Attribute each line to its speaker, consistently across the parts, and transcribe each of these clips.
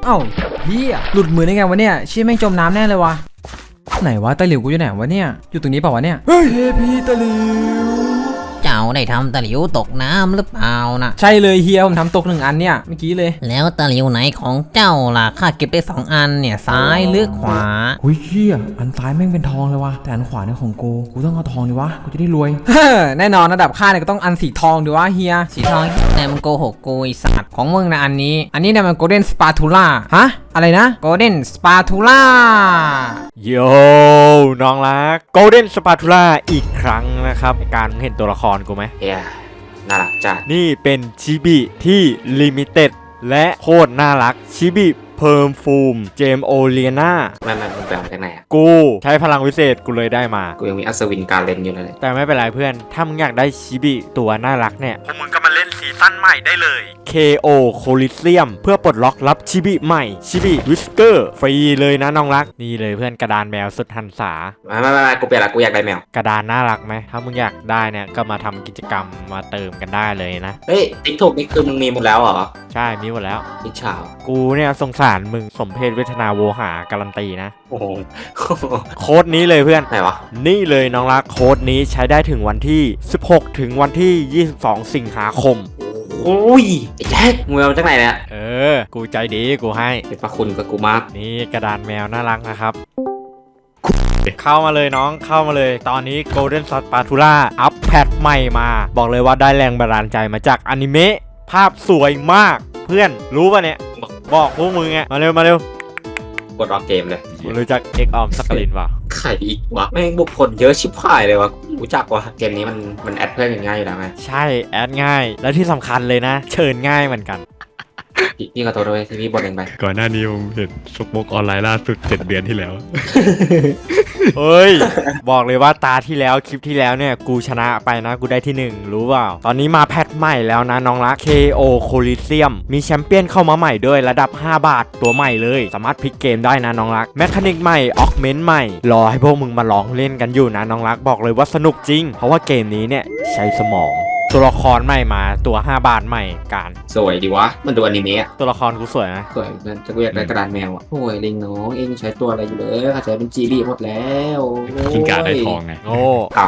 Speaker 1: อ้าเฮียหลุดมือได้ไงวะเนี่ยเชี่ยแม่งจมน้ำแน่เลยวะไหนวะตะหลิวกูอยู่ไหนวะเนี่ยอยู่ตรงนี้เปล่าวะเนี่ยเฮ้ยพี่ตะหลิว
Speaker 2: เจ้าได้ทำตะหลิวตกน้ำหรือเปล่านะ
Speaker 1: ใช่เลยเฮียผมทำตก1 อันเนี่ยเมื่อกี้เลย
Speaker 2: แล้วตะหลิวไหนของเจ้าล่ะข้าเก็บได้2 อันเนี่ยซ้ายหรือขวา
Speaker 1: หุ้ยเฮียอันซ้ายแม่งเป็นทองเลยวะแต่อันขวาเนี่ยของกูต้องเอาทองดิวะกูจะได้รวยแน่นอนระดับข้าเนี่ยก็ต้องอันสีทองดิวะเฮีย
Speaker 2: สีทองแต่มันโกหกกูไอ้สัตว์ของมึงนะอันนี้
Speaker 1: เนี่ยมันโกลเด้นสปาทูล่าฮะอะไรนะโกลเด้นสปาทูล่า
Speaker 3: โยน้องรักโกลเด้นสปาทูล่าอีกครั้งนะครับการเห็นตัวละครกูไหม
Speaker 4: น่ารักจัด
Speaker 3: นี่เป็นชิบิที่ลิมิเต็ดและโคตรน่ารักชิบิเพิ่มฟูมเจมโอเลียนา
Speaker 4: มันแปลมาจากไหนอ่ะ
Speaker 3: กูใช้พลังวิเศษกูเลยได้มา
Speaker 4: กูยังมีอัศวินการเล่นอยู่เลย
Speaker 3: แต่ไม่เป็นไรเพื่อนถ้ามึงอยากได้ชิบิตัวน่ารักเนี่ยพวกมึงก็มาเล่นซีซั่นใหม่ได้เลย KO Coliseum เพื่อปลดล็อกรับชิบิใหม่ชิบิวิสเกอร์ฟรีเลยนะน้องรักนี่เลยเพื่อนกระดานแมวสุดหันษา
Speaker 4: ไม่กูเปลี่ยนละกูอยากได้แมว
Speaker 3: กระดานน่ารักไหมถ้ามึงอยากได้เนี่ยก็มาทำกิจกรรมมาเติมกันได้เลยนะ
Speaker 4: เฮ้ยติ๊กถูกนี่คือมึงมีหมดแล้วเหรอ
Speaker 3: ใช่มีหมดแล้ว
Speaker 4: ทิชาว
Speaker 3: กูเนี่ยสงสารมึงสมเพศเวทนาโวหาการันตีนะ
Speaker 4: โอ้โห
Speaker 3: โค้ดนี้เลยเพื่อน
Speaker 4: ไหนวะ
Speaker 3: นี่เลยน้องรักโค้ดนี้ใช้ได้ถึงวันที่16ถึงวันที่22สิงหาคม
Speaker 4: โอ้ยไอ้แจ็คมึงเอาจากไหนเนี่ย
Speaker 3: กูใจดีกูให้
Speaker 4: เป็นพระคุณกับกูมาก
Speaker 3: นี่กระดานแมวน่ารักนะครับเข้ามาเลยน้องเข้ามาเลยตอนนี้ Golden Spatula อัปแพทใหม่มาบอกเลยว่าได้แรงบันดาลใจมาจากอนิเมะภาพสวยมากเพื่อนรู้ป่ะเนี่ยบอกพวกมึงไงมาเร็ว
Speaker 4: กดออกเกมเลย
Speaker 3: รู้จักเอ็กออมสักลินป่ะ
Speaker 4: ใครอีกวะแม่งบุกผลเยอะชิบหายเลยวะรู้จักวะเกมนี้มันแอดเพื่อนง่ายอยู่แล้วไง
Speaker 3: ใช่แอดง่ายและที่สำคัญเลยนะเชิญง่ายเหมือนกัน
Speaker 4: พี่ขอโทษด้วยที่พี่บ่นเองไป
Speaker 5: ก่อนหน้านี้ผมเห็นสปกออนไลน์ล่าสุด7 เดือนที่แล้ว
Speaker 3: เฮ้ยบอกเลยว่าตาที่แล้วคลิปที่แล้วเนี่ยกูชนะไปนะกูได้ที่1รู้เปล่าตอนนี้มาแพทใหม่แล้วนะน้องรัก KO Coliseum มีแชมเปี้ยนเข้ามาใหม่ด้วยระดับ5 บาทตัวใหม่เลยสามารถพลิกเกมได้นะน้องรักแมคานิกใหม่ออกเมนต์ใหม่รอให้พวกมึงมาลองเล่นกันอยู่นะน้องรักบอกเลยว่าสนุกจริงเพราะว่าเกมนี้เนี่ยใช้สมองตัวละครใหม่มาตัว5 บาทใหม่การ
Speaker 4: สวยดีวะมันดูอนิเมะ
Speaker 3: ตัวละครกูสวยนะ
Speaker 4: สวยเพื่อนจะกูอยากได้กระดานแมวอ่ะโอ้ยลิงน้องเองใช้ตัวอะไรอยู่เลยเขาใช้เป็นจีบีหมดแล้ว
Speaker 5: กินกาได้ทองไง
Speaker 3: โอ้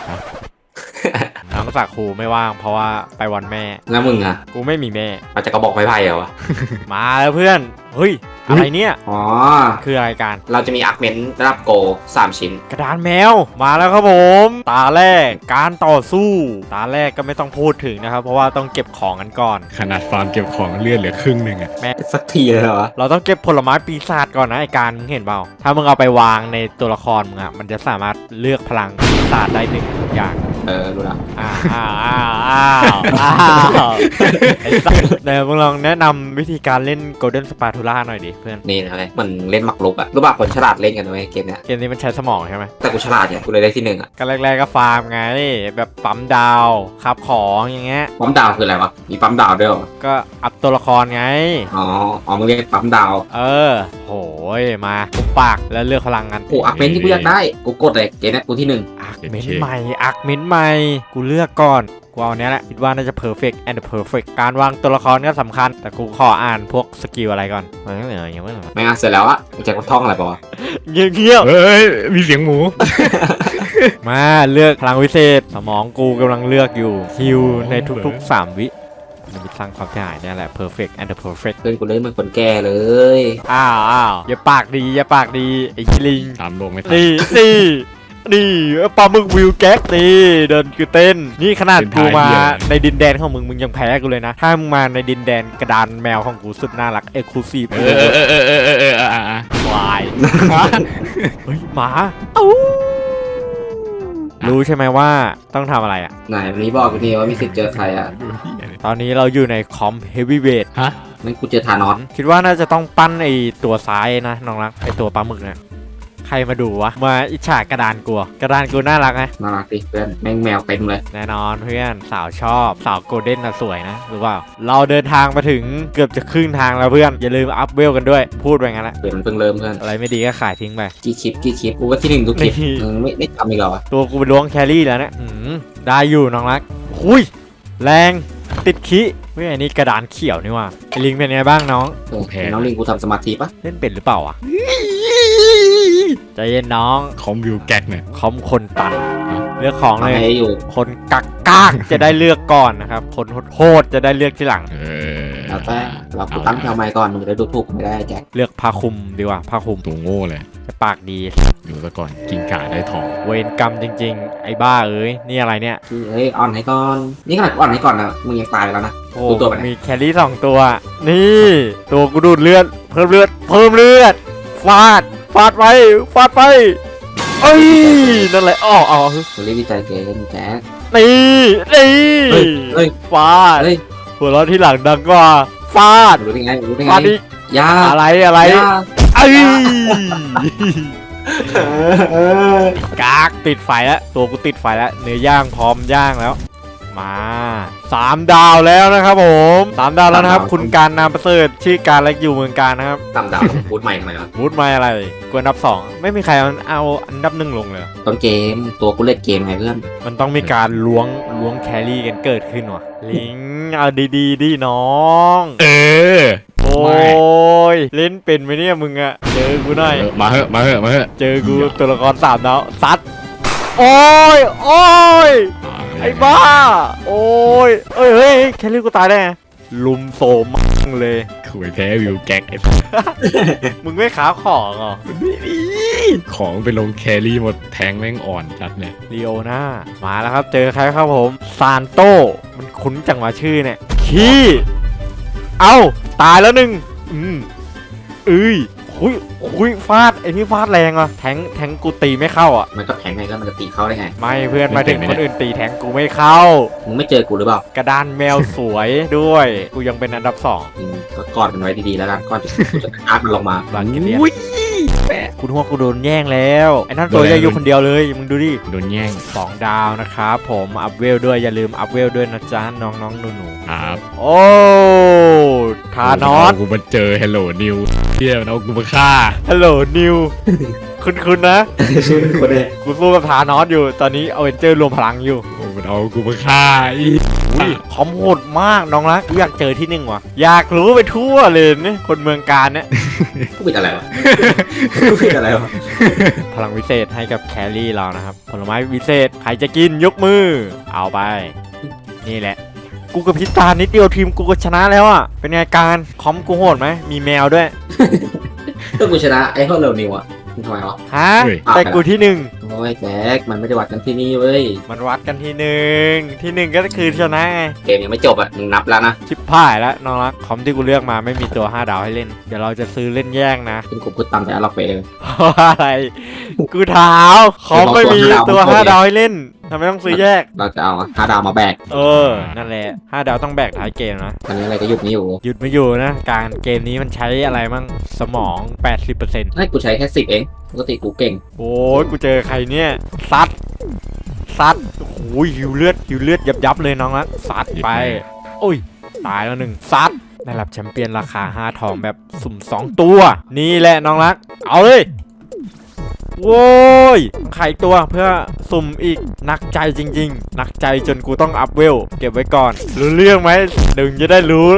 Speaker 3: น้องสักครูไม่ว่างเพราะว่าไปวันแม่
Speaker 4: แล้วมึงอ่ะ
Speaker 3: กูไม่มีแม่
Speaker 4: อาจจะกระบอกไม้ไผ่เหรอวะ
Speaker 3: มาแล้วเพื่อนเฮ้ยอะไรเนี่ยคืออะไรการ
Speaker 4: เราจะมีอาร์เมนต์ระดับโก3 ชิ้น
Speaker 3: กระดานแมวมาแล้วครับผมตาแรกการต่อสู้ตาแรกก็ไม่ต้องพูดถึงนะครับเพราะว่าต้องเก็บของกันก่อน
Speaker 5: ขนาดฟาร์มเก็บของเลื่อนเหลือครึ่งนึงอะ
Speaker 4: แม่สักทีเลยเหรอ
Speaker 3: เราต้องเก็บผลไม้ปีศาจก่อนนะไอการเห็นเปล่าถ้ามึงเอาไปวางในตัวละครมึงอะมันจะสามารถเลือกพลังปีศาจได้1 อย่าง
Speaker 4: รู้ละ
Speaker 3: ไอ้สัสเดี๋ยวมึงลองแนะนำวิธีการเล่น Golden Spatula หน่อยดิเพื่อน
Speaker 4: นี่อะไรมันเล่นหมากรุกอะรู้ป่ะคนฉลาดเล่นกันด้วยเกมเนี้ย
Speaker 3: เกมนี้มันใช้สมองใช่ไหม
Speaker 4: แต่กูฉลาดเนี่ยกูเลยได้ที่1อะ
Speaker 3: ก็แรกๆก็ฟาร์มไงแบบปั๊มดาวขับของอย่างเงี้ย
Speaker 4: ปั๊มดาวคืออะไรวะมีปั๊มดาวด้วย
Speaker 3: ก็อัพตัวละครไง
Speaker 4: มึงเรียกปั๊มดาว
Speaker 3: โหยมาปุ๊บปากแล้วเลือกพลังกัน
Speaker 4: โอ้อาร์เมนที่กูอยากได้กูกดเลยเกมนี้กูที่1
Speaker 3: อาร์เมนใหม่กูเลือกก่อนกูเอาเนี้ยแหละคิดว่าน่าจะ perfect and perfect การวางตัวละครก็สำคัญแต่กูขออ่านพวกสกิลอะไรก่อน
Speaker 4: ไม่เสร็จแล้วอะแจ็คท่องอะไรป่าวะ
Speaker 3: เงียบ
Speaker 5: เฮ้ยมีเสียงหมู
Speaker 3: มาเลือกพลังวิเศษสมองกูกำลังเลือกอยู่ฮิวในทุกๆ3 วิมันจะสร้างความเสียหายนี่แหละ perfect and perfect
Speaker 4: เพื่อนกูเลยมันคนแก่เลย
Speaker 3: อย่าปากดีไอ้ลิง
Speaker 5: 3 โลกไม่ทั
Speaker 3: นนี่ปลาหมึกวิวแก๊กนี่เดินคือเต้นนี่ขนาดกูมาในดินแดนของมึงยังแพ้กูเลยนะถ้ามึงมาในดินแดนกระดานแมวของกูสุดน่ารักเอ็กซ์คลูซีฟวายเฮ้ยหมารู้ใช่ไหมว่าต้องทำอะไรอ่ะ
Speaker 4: ไหนวันนี้บอกกูทีว่ามีสิทธิ์เจอใครอ่ะ
Speaker 3: ตอนนี้เราอยู่ในคอมเฮฟวี่เวท
Speaker 4: นั่นกูเจอธานอส
Speaker 3: คิดว่าน่าจะต้องปั้นไอตัวซ้ายนะน้องรักไอตัวปลาหมึกเนี่ยใครมาดูวะมาอิจฉากระดานกูน่ารักไหม
Speaker 4: น่ารักดิเพื่อนแม่งแมวเต็มเลย
Speaker 3: แน่นอนเพื่อนสาวชอบสาวโกลเด้นน่ะสวยนะรู้เปล่าเราเดินทางมาถึงเกือบจะครึ่งทางแล้วเพื่อนอย่าลืมอัพเวลกันด้วยพูดไปงั้นแหละ
Speaker 4: เดี๋ยวมันเพิ่งเริ่มเพื่อน
Speaker 3: อะไรไม่ดีก็ขายทิ้งไป
Speaker 4: กี่คลิปกูว่าที่1ทุกคลิปไม่ทำอีกหรอ
Speaker 3: ตัวกูเป็นล้วงแครี่แล้วเนี่ยได้อยู่น้องรักหุยแรงติดขี้ฮ้ยอันนี้กระดานเขียวนี่ว่ะไอ้ลิงเป็นไงบ้างน้อง
Speaker 5: แพ้
Speaker 4: น้องลิงกูทำสมาธิปะ
Speaker 3: เล่นเป็นหรือเปล่าอ่ะใจเย็นน้อง
Speaker 5: คอมวิวแก๊กเนี่ย
Speaker 3: คอมคนตันเลือกของ
Speaker 4: ทำ
Speaker 3: เลย
Speaker 4: ให้อยู่
Speaker 3: คนกักกากจะได้เลือกก่อนนะครับคนโหดๆจะได้เลือกทีหลัง
Speaker 4: แล้วแต่เรากูตั้งแถวใหม่ก่อนมึงจะดูถูกไม่ได้แจ็ค
Speaker 3: เลือกผ้าคลุมดีกว่าผ้าคลุม
Speaker 5: ตัวโง่เลย
Speaker 3: จะปากดี
Speaker 5: อยู่ซะก่อนกินกาได้ทอง
Speaker 3: เวรกรรมจริงๆ ไอ้บ้าเอ้ยนี่อะไรเนี่ย
Speaker 4: เฮ้ยอ่อนให้ก่อนนี่ขนาดกูอ่อนให้ก่อนนะมึงยังตายไปแล้วนะ
Speaker 3: โอ้
Speaker 4: ดูตัวไปไหน
Speaker 3: มีแครี่2 ตัว นี่ตัวกูดูดเลือดเพิ่มเลือดฟาดไปเอ้ยนั่นแหละอ๋อ
Speaker 4: กูรีบดีใจเกินแจ็ค
Speaker 3: นี่
Speaker 4: เฮ้ย
Speaker 3: ฟาด
Speaker 4: เฮ้ย
Speaker 3: หัวเราะที่หลังดังกว่าฟาด
Speaker 4: รู้ได้ไงรู้ได้ไง
Speaker 3: ฟาดอีก
Speaker 4: ยา
Speaker 3: อะไร
Speaker 4: ยา
Speaker 3: เอ้ย
Speaker 4: เออก
Speaker 3: ากติดไฟแล้วตัวกูติดไฟแล้วเนื้อย่างพร้อมย่างแล้ว มา3 ดาวแล้วนะครับผม3 ดาวแล้วนะครับ คุณการนามประเสริฐชื่อการและอยู่เมืองการนะครับ
Speaker 4: ต่ำดาวพูดใหม่ทำไมวะ
Speaker 3: วูดมาอะไรกวนอันดับ 2 ไม่มีใครเอาอันดับ 1ลงเลย
Speaker 4: ต้นเกมตัวกูเล่นเกมไงเพื่อน
Speaker 3: มันต้องมีการล้วงแครี่กันเกิดขึ้นว่ะลิงเอาดีๆดิน้อง
Speaker 5: เออ
Speaker 3: โอ้ยเล่นเป็นไหมเนี่ยมึงอะเจอกูหน่อย
Speaker 5: มาเหอะ
Speaker 3: เจอกูตัวละคร3 ดาวซัดโอ้ยไอ้บ้าโอ้ยเฮ้ยแครี่กูตายได้ไงลุมโซมมั่งเลย
Speaker 5: คุยแพ้วิวแก๊กไอ้
Speaker 3: มึงไม่ขาของเหรอ
Speaker 5: ของไปลงแครี่หมดแทงแม่งอ่อนจัดเนี่ย
Speaker 3: ลีโอนามาแล้วครับเจอใครครับผมซานโตมันคุ้นจังวะชื่อเนี่ยขี้เอ้าตายแล้วหนึ่งคุยฟาดไอ้นี่ฟาดแรงอ่ะแทงกูตีไม่เข้าอ่ะ
Speaker 4: มันก็แข็งไงแล้วมันจะตีเข้าได้ไง
Speaker 3: ไม่เพื่อนมาถึงคนอื่นตีแทงกูไม่เข้า
Speaker 4: มึงไม่เจอกูหรือเปล่าก
Speaker 3: ระดานแมวสวยด้วยกูยังเป็นอันดับ 2
Speaker 4: มึงก็กอดมันไว้ดีๆแล้วกันก่อนที่กูจะอาร์ตมันลงมา
Speaker 3: บางกิเลียนคุณหัวกูโดนแย่งแล้วไอ้นั่นตัวใหญ่อยู่คนเดียวเลยมึงดูดิ
Speaker 5: โดนแย่ง
Speaker 3: 2 ดาวนะครับผมอัพเวลด้วยอย่าลืมอัพเวลด้วยนะจ๊ะน้องๆหนู
Speaker 5: ครับ
Speaker 3: ๆโอ้ทานอส
Speaker 5: กูมาเจอ Hello New เที่ยวนะกูมาฆ่า
Speaker 3: ฮัลโหลนิว คุณนะ
Speaker 4: คนเดีย
Speaker 3: กูสู้กับทานอสอยู่ตอนนี้เอาเวนเจอร์รวมพลังอยู่
Speaker 5: โอ้มันเอากูมาฆ่าอี
Speaker 3: อุ้ยคอมโหดมากน้องรักกูอยากเจอที่ 1ว่ะอยากรู้ไปทั่วเลยเนี่ยคนเมืองการเนี่ย
Speaker 4: กูผิดอะไรวะกูผิดอะไรวะ
Speaker 3: พลังวิเศษให้กับแครี่เรานะครับผลไม้วิเศษใครจะกินยกมือเอาไป นี่แหละ กูกับพิตานิดเดียวทีมกูก็ชนะแล้วอ่ะเป็นไงการคอมกูโหดไหมมีแมวด้วย
Speaker 4: ก็กูชนะไอ้พวกเร็วนิวอ่ะมึงทำไมวะ
Speaker 3: ฮะแต่กูที่ 1
Speaker 4: โอ้ยแจ็คมันไม่ได้วัดกันที่นี่เว้ย
Speaker 3: มันวัดกันที่ 1ที่ 1ก็คือชนะไง
Speaker 4: เกมยังไม่จบอ่ะมึงนับแล้วนะ
Speaker 3: ชิปพ่ายแล้วน้องรักคอมที่กูเลือกมาไม่มีตัว 5 ดาวให้เล่น เดี๋ยวเราจะซื้อเล่นแย่งนะ
Speaker 4: เป็นกูพูดตามแต่ล็อกไปเลย
Speaker 3: เพราะอะไร กูถามคอมไม่มีตัว 5 ดาวให้เล่นทำไมต้องซื้อแยก
Speaker 4: เราจะเอา5 ดาวมาแบก
Speaker 3: นั่นแหละ 5 ดาวต้องแบกท้ายเกมนะ
Speaker 4: ตอนนี้อะไรก็หยุดไม่อยู่
Speaker 3: หยุดไม่อยู่นะ การเกมนี้มันใช้อะไรมั่งสมอง 80%
Speaker 4: ให้กูใช้แค่10เองปกติกูเก่ง
Speaker 3: โอ้ยกูเจอใครเนี่ยซัดโอ้ยหิวเลือดยับเลยน้องรักซัดไปโอ้ยตายแล้วหนึ่งซัดได้รับแชมเปี้ยนราคา5 ทองแบบสุ่ม 2 ตัว นี่แหละน้องรัก เอาเลยโว้ยไข่ตัวเพื่อสุ่มอีกหนักใจจริงๆหนักใจจนกูต้องอัพเวลเก็บไว้ก่อนรู้เรื่องไหมเดี๋ยวมึงจะได้รู้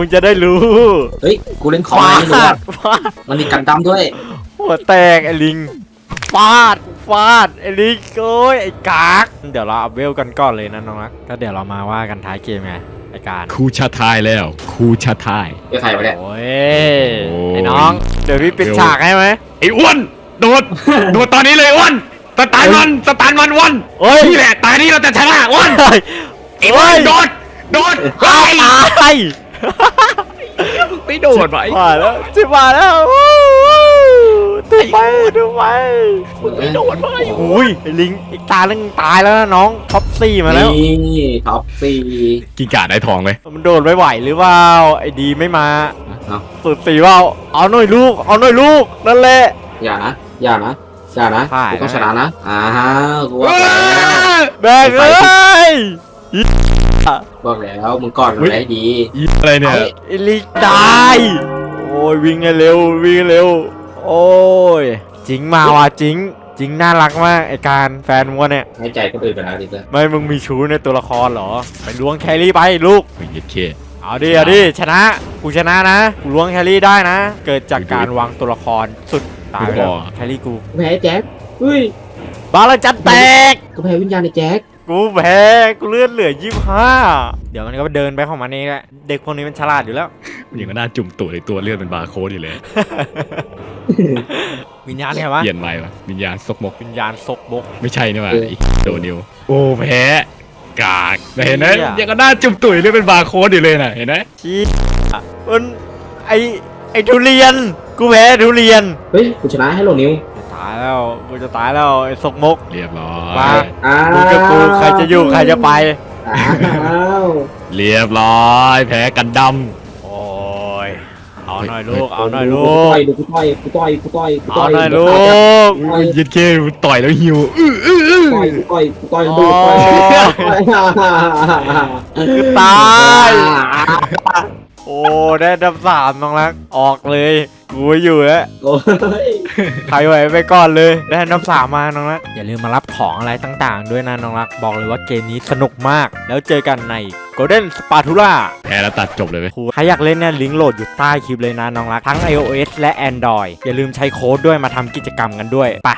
Speaker 4: เฮ้ยกูเล่นของอะไรไม่รู้อะ
Speaker 3: ฟาด
Speaker 4: มันมีกันดั้มด้วย
Speaker 3: หัวแตกไอ้ลิงฟาดไอ้ลิงโอ้ยไอ้กากเดี๋ยวเราอัพเวลกันก่อนเลยนะน้องรักก็เดี๋ยวเรามาว่ากันท้ายเกมไงไอ้การ
Speaker 5: ครูชาทายแล้วครูชาทาย
Speaker 4: เดี๋ยวใครวะเนี่ย
Speaker 3: โอ้ยไอ้น้องเดี๋ยวพี่ปิดฉากให้ไหม
Speaker 5: ไอ้อ้วนโดดตอนนี้เลยอ้วนสตาร์มันวัน
Speaker 3: เฮ้ย
Speaker 5: นี่แหละตายนี่เราจะชนะอ้วน ไอ้อ้วนโดดไป
Speaker 3: ตาย
Speaker 5: ไม่โดดไป
Speaker 3: มาแล้วจิบมาแล้วดูไป
Speaker 4: ไม่
Speaker 5: โดดไป
Speaker 3: โอ้ยไอ้ลิงอีกตานึงตายแล้วนะน้องท็อป4มาแล้ว
Speaker 4: นี่ท็อป4
Speaker 5: กินกาได้ทองเลย
Speaker 3: มันโดดไม่ไหวหรือเปล่าไอ้ดีไม่มา
Speaker 4: เอา
Speaker 3: สุด4เปล่าเอาหน่อยลูกนั่นแหละ
Speaker 4: อย่านะ
Speaker 3: ผ่าน
Speaker 4: กูต้องชนะนะกูบอกแล้ว
Speaker 3: แบกเอ้ย
Speaker 4: บอกแล้วมึงก่อนมันได้ดี
Speaker 5: อีอะไรเนี่ย
Speaker 3: ไอ้ลิงตายโอ้ยวิ่งให้เร็วโอ้ยจิงมาว่ะจิงน่ารักมากไอการแฟนมัวเนี่ย
Speaker 4: ให้ใจคนอื่นไปแล้วดิเพื่อน
Speaker 3: ไม่มึงมีชู้ในตัวละครเหรอไปล้วงแครี่ไปลูก
Speaker 5: โอ้ยเย็ดเค
Speaker 3: เอาดิชนะกูชนะนะกูล้วงแครี่ได้นะ เกิดจากการวางตัวละครสุดตายไปแล้วแครี่กู
Speaker 4: แพ้แจ็คเฮ้ย
Speaker 3: บาลานจัดแตก
Speaker 4: ก็แพ้วิญญาณในแจ็ค
Speaker 3: กูแพ้กูเลือดเหลือ25เดี๋ยวมันก็เดินไปของมันเองแหละเด็กพวกนี้มันฉลาดอยู่แล้ว
Speaker 5: มันยังก็น่าจุ่มตัวในตัวเลือดเป็นบาร์โค้ดอยู่เลย
Speaker 3: วิญญาณเนี่ยวะ
Speaker 5: เปลี่ยนใหม่วะวิญญาณซกมก
Speaker 3: วิญญาณซกบก
Speaker 5: ไม่ใช่นี่หว่าไอ้โดนิวโอ้แพ้กากเห็นไหม
Speaker 3: เหี้ย
Speaker 5: ยังก็น่าจุ่มตุ๋ยเลือดเป็นบาร์โค้ดอยู่เลยน่ะเห็นไหม
Speaker 3: ชี้มันไอทุเรียนกูแพ้ทุเรียน
Speaker 4: เฮ้ยกูชนะให้โหลนิว
Speaker 3: ตายแล้วกูจะตายแล้วไอ้ซกมก
Speaker 5: เรียบร้อ
Speaker 3: มา
Speaker 5: ย
Speaker 4: อ้าว
Speaker 3: มึงกับกูใครจะอยู่ใครจะไป
Speaker 4: อ้าว
Speaker 5: เรียบร้อยแพ้กันด
Speaker 3: โอ้ยเอาหน่อยลูกเอาหน่อย
Speaker 4: กู
Speaker 3: ลู
Speaker 4: ต่
Speaker 3: ก
Speaker 4: อยกูต่อยกูต่อยกูต่อยกู
Speaker 3: เอา
Speaker 4: ต่อย
Speaker 3: หน่อยลูก
Speaker 5: ำอุ้ยยิดเคต่อยแล้วหิว
Speaker 4: กูต่อยกูต่อยดูต่อย
Speaker 3: ตาย โอ้ได้ดับ3น้องรักออกเลยกูอยู่แล้ว
Speaker 4: โอ้ย
Speaker 3: ใครไหวไปก่อนเลยได้อันดับ3มาน้องรักอย่าลืมมารับของอะไรต่างๆ ด้วยนะน้องรักบอกเลยว่าเกมนี้สนุกมาก แล้วเจอกันใน Golden Spatula
Speaker 5: แพ้แล้วตัดจบเลยไหม
Speaker 3: ใครอยากเล่นเนี่ยลิงก์โหลดอยู่ใต้คลิปเลยนะน้องรักทั้ง iOS และ Android อย่าลืมใช้โค้ดด้วยมาทำกิจกรรมกันด้วยไป